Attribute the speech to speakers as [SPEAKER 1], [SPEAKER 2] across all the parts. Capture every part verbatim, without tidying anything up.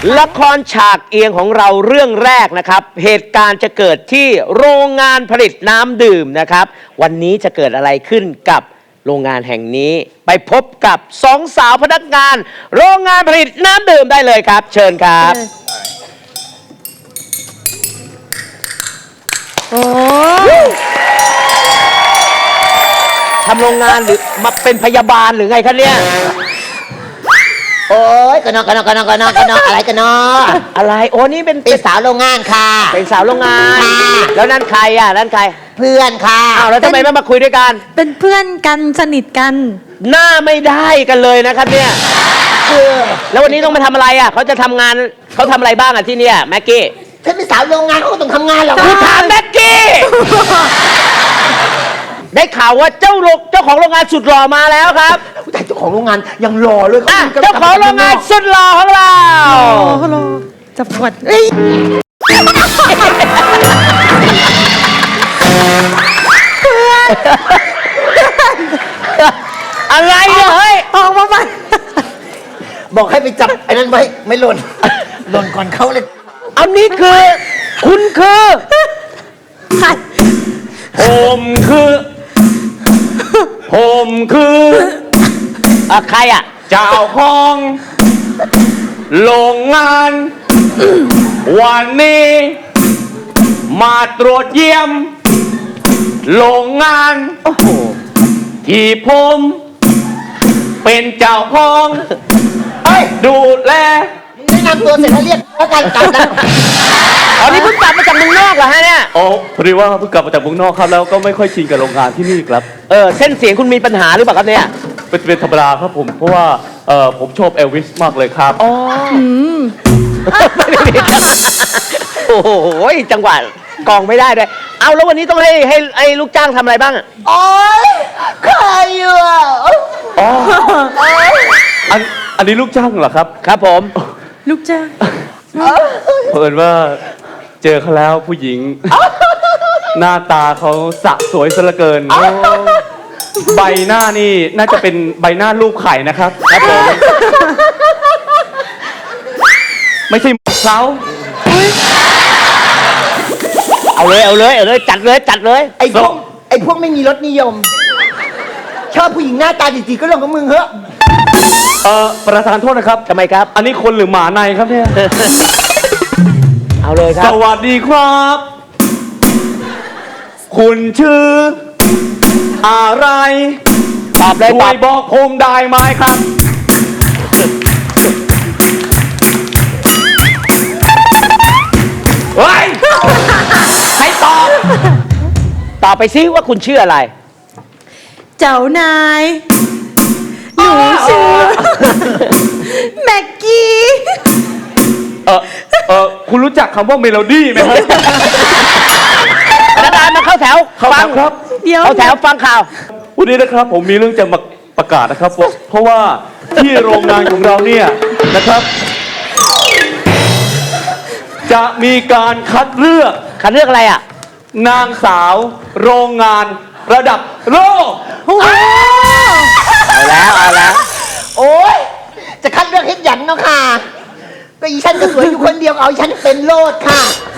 [SPEAKER 1] ละครฉากเอียงของเราเรื่องแรกนะครับเหตุการณ์จะเกิดที่โรงงานผลิตน้ำดื่มนะครับวันนี้จะเกิดอะไรขึ้นกับโรงงานแห่งนี้ไปพบกับสองสาวพนักงานโรงงานผลิตน้ำดื่มได้เลยครับ เชิญครับ
[SPEAKER 2] โอ้
[SPEAKER 1] ทำโรงงานหรือมาเป็นพยาบาลหรือไงคะเนี่ย
[SPEAKER 3] โอ้ยกันนอกกันนอกกันนอกกันนอกกันนอกอะไรกันนอก
[SPEAKER 1] อะไรโอ้นี่เป็น
[SPEAKER 3] เป็นสาวโรงงานค่ะ
[SPEAKER 1] เป็นสาวโรงงาน
[SPEAKER 3] ค่ะ
[SPEAKER 1] แล้วนั่นใครอ่ะนั่นใคร
[SPEAKER 3] เพื่อนค่ะ
[SPEAKER 1] อ้าวแล้วทำไมไม่มาคุยด้วยกัน
[SPEAKER 2] เป็นเพื่อนกันสนิทกัน
[SPEAKER 1] หน้าไม่ได้กันเลยนะครับเนี่ย
[SPEAKER 3] คือ
[SPEAKER 1] แล้ววันนี้ต้องมาทำอะไรอ่ะเขาจะทำงานเขาทำอะไรบ้างอ่ะที่เนี่ยแม็กกี้
[SPEAKER 3] ฉันเป็นสาวโรงงานเขาก็ต้องทำงานหรอก
[SPEAKER 1] กูถามแม็กกี้ ได้ข่าวว่าเจ้าโรงเจ้าของโรงงานสุดหล่อมาแล้วครับ
[SPEAKER 3] แต่เจ้าของโรงงานยังรอเลย
[SPEAKER 1] อ่ะเจ้าของโรงงานสุดหล่อของเรา
[SPEAKER 2] โอ้โหจะปวดเอ้ย
[SPEAKER 1] อะไรเนี่ยเฮ้ย
[SPEAKER 2] ออกมาใหม่
[SPEAKER 3] บอกให้ไปจับไอ้นั้นไว้ไม่หล่นหล่นก่อนเขาเลย
[SPEAKER 1] อันนี้คือคุณคือ
[SPEAKER 2] ใคร
[SPEAKER 1] ผมคือผมคืออะใครอ่ะเจ้าของโรงงานวันนี้มาตรวจเยี่ยมโรงงานโอ้โหที่ผมเป็นเจ้าของเอ้ยดูแล
[SPEAKER 3] แนะนำตัวเสร็จแล้วเรียกแล้วกันกลับแล้ว
[SPEAKER 1] อ๋อนี่เพิ่งกลับมาจากเมืองนอกเหรอฮะเนี่ย
[SPEAKER 4] อ๋อพอดีว่าเพิ่งกลับมาจากเมืองนอกครับแล้วก็ไม่ค่อยชินกับโรงงานที่นี่ครับ
[SPEAKER 1] เออเส้นเสียงคุณมีปัญหาหรือเปล่าครับเนี่ย
[SPEAKER 4] เป็นเป็นธรรมดาครับผมเพราะว่าเอ่อผมชอบเอลวิสมากเลยครับ
[SPEAKER 1] อ๋อโอ้โหจังหวะกองไม่ได้เลยเอาแล้ววันนี้ต้องให้ให้ให้ลูกจ้างทำอะไรบ้างอะ
[SPEAKER 3] โอ๊ยใครอยู่อ่ะ
[SPEAKER 4] อ๋ออันอันนี้ลูกจ้างเหรอครับ
[SPEAKER 1] ครับผม
[SPEAKER 2] ลูกจ้าง
[SPEAKER 4] เพิ่นว่าเจอเขาแล้วผู้หญิง หน้าตาเขาสะสวยซะเหลือเกินใบหน้านี่น่าจะเป็นใบหน้ารูปไข่นะครับครับผมไม่ใช่เขา
[SPEAKER 1] เอาเลยเอาเลยเอาเลยจัดเลยจัดเลย
[SPEAKER 3] ไอ้พวกไอ้พวกไม่มีรสนิยม ชอบผู้หญิงหน้าตาดีๆก็เรื่องของมึงเหอะ
[SPEAKER 4] เอ่อประธานโทษนะครับ
[SPEAKER 1] ทำไมครับ
[SPEAKER 4] อันนี้คนหรือหมาในครับเนี่ย
[SPEAKER 1] เอาเลยค
[SPEAKER 4] ส
[SPEAKER 1] รับ
[SPEAKER 4] วัสดีครับ คุณชื่อ อะไร
[SPEAKER 1] ตอบเลย
[SPEAKER 4] ช่
[SPEAKER 1] ต
[SPEAKER 4] ว
[SPEAKER 1] อย บ
[SPEAKER 4] บอกผมได้ไหมครับ เฮ้ย
[SPEAKER 1] ใครตอบตอบไปซิว่าคุณชื่ออะไร
[SPEAKER 2] เจ้านายหนูชื่อแม็กกี้
[SPEAKER 4] เออเออคุณรู้จักคำว่าเมโลดี้ไหมครับ
[SPEAKER 1] พนักงานมาเข้าแถว
[SPEAKER 4] เข้าแถว
[SPEAKER 1] ฟัง
[SPEAKER 4] ครับ
[SPEAKER 2] เดี๋ยว
[SPEAKER 1] เข้าแถวฟังข่าว
[SPEAKER 4] วันนี้นะครับผมมีเรื่องจะมาประกาศนะครับเพราะเพราะว่าที่โรงงานของเราเนี่ยนะครับ จะมีการคัดเลือก
[SPEAKER 1] คัดเลือกอะไรอ่ะ
[SPEAKER 4] นางสาวโรงงานระดับโลก
[SPEAKER 1] เอาแล้วเอาแล้ว
[SPEAKER 3] โอ๊ยจะคัดเลือกให้หยันเนาะค่ะก็อีฉันก็สวยอยู่คนเดียวเอาอีฉันเป็นโลดค่ะ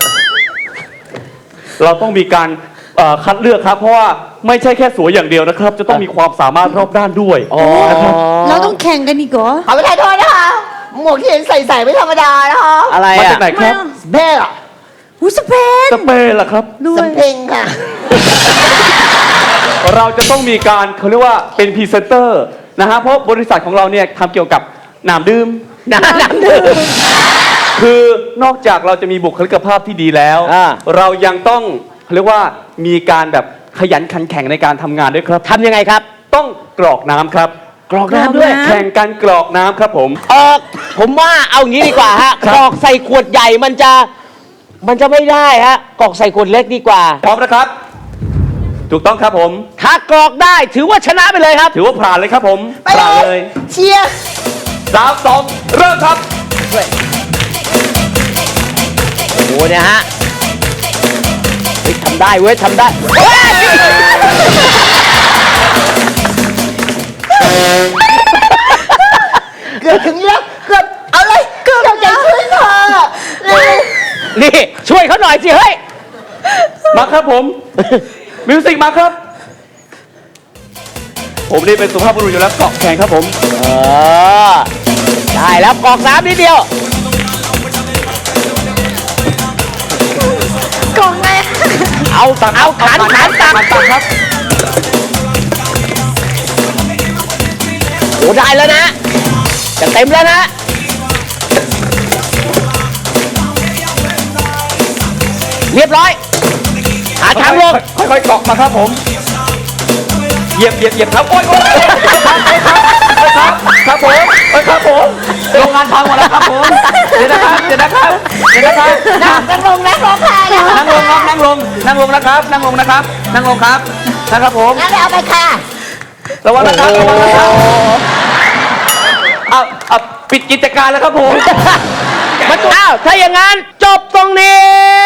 [SPEAKER 4] เราต้องมีการเอ่อคัดเลือกครับ เพราะว่าไม่ใช่แค่สวยอย่างเดียวนะครับ จะต้องมีความสามารถรอบด้านด้วยนะครับ
[SPEAKER 2] เราต้องแข่งกันอีกเหรอ
[SPEAKER 3] ขอประทานโทษนะคะหมวกที่เห็นใส่ใส่ไม่ธรรมดานะคะ
[SPEAKER 1] อะไร
[SPEAKER 4] มา
[SPEAKER 1] อ่ะ
[SPEAKER 4] จากไหนครับ
[SPEAKER 3] แม่อะ
[SPEAKER 2] หูสเปน
[SPEAKER 4] สเปนเหรอครับ
[SPEAKER 2] ด้วย
[SPEAKER 3] สำเพ็งค่ะ
[SPEAKER 4] เราจะต้องมีการเขาเรียกว่าเป็นพรีเซนเตอร์นะฮะเพราะบริษัทของเราเนี่ยทำเกี่ยวกับน้ำดื่ม
[SPEAKER 1] น้ำน้ำดื่ม
[SPEAKER 4] คือนอกจากเราจะมีบุคลิกภาพที่ดีแล้ว
[SPEAKER 1] อ่า
[SPEAKER 4] เรายังต้องเขาเรียกว่ามีการแบบขยันขันแข็งในการทำงานด้วยครับ
[SPEAKER 1] ทำยังไงครับ
[SPEAKER 4] ต้องกรอกน้ำครับ
[SPEAKER 1] กรอกน้ำด้วย
[SPEAKER 4] แข่งกันกรอกน้ำครับผม
[SPEAKER 1] ออกผมว่าเอางี้ดีกว่าฮะ
[SPEAKER 4] ครับ
[SPEAKER 1] กรอกใส่ขวดใหญ่มันจะมันจะไม่ได้ฮะกรอกใส่ขวดเล็กดีกว่า
[SPEAKER 4] พร้อมนะครับ ถูกต้องครับผม
[SPEAKER 1] ถ้ากรอกได้ถือว่าชนะไปเลยครับ
[SPEAKER 4] ถือว่าผ่านเลยครับผม
[SPEAKER 3] ไป
[SPEAKER 4] ผ่าน
[SPEAKER 3] เล
[SPEAKER 4] เลย ย
[SPEAKER 3] เชียร์
[SPEAKER 4] สามสองเริ่มครับ
[SPEAKER 1] โอ้โหเนี่ยฮะเฮ้ยทำได้เว้ยทำได้เฮ้ย
[SPEAKER 3] เกือบถึงแล้วเกือบเอาเลยเกือบใจช่วยหน่อย
[SPEAKER 1] นี่ช่วยเขาหน่อยสิเฮ้ย
[SPEAKER 4] มาครับผม มิวสิกมาครับ ผมนี่เป็นสุภาพบุรุษอยู่แล้วเกาะแขนครับผม
[SPEAKER 1] เออ ได้แล้วกรอกน้ำนิดเดียว
[SPEAKER 2] กล่องไง
[SPEAKER 1] เอาตักเอาขันขันตัก
[SPEAKER 4] ขันตักครับ
[SPEAKER 1] โอ้ได้แล้วนะ จะเต็มแล้วนะ เรียบร้อย หาทางลง
[SPEAKER 4] ค่อยๆเกาะมาครับผม เหยียบเหยียบเหยียบครับโอ๊ยโอ๊ยครับครับผมเอ้ยครับผมโรงงานพังหมดแล้วครับผมเดี๋ยวนะครับเดี๋ยวนะครับเดี๋ยวนะครับนั่ง
[SPEAKER 3] นั่งลงนั่งลงค่ะ
[SPEAKER 4] นั่งลงครับนั่งลงนั่งลงนะครับ นั่งลงนะครับ นั่งลงครับนะครับผม
[SPEAKER 3] งั้นไปเอาไปค่ะ
[SPEAKER 4] ระวังนะครับระวังนะครับเอาเอาปิดกิจการแล้วครับผม
[SPEAKER 1] มันอ้าวถ้าอย่างนั้นจบตรงนี้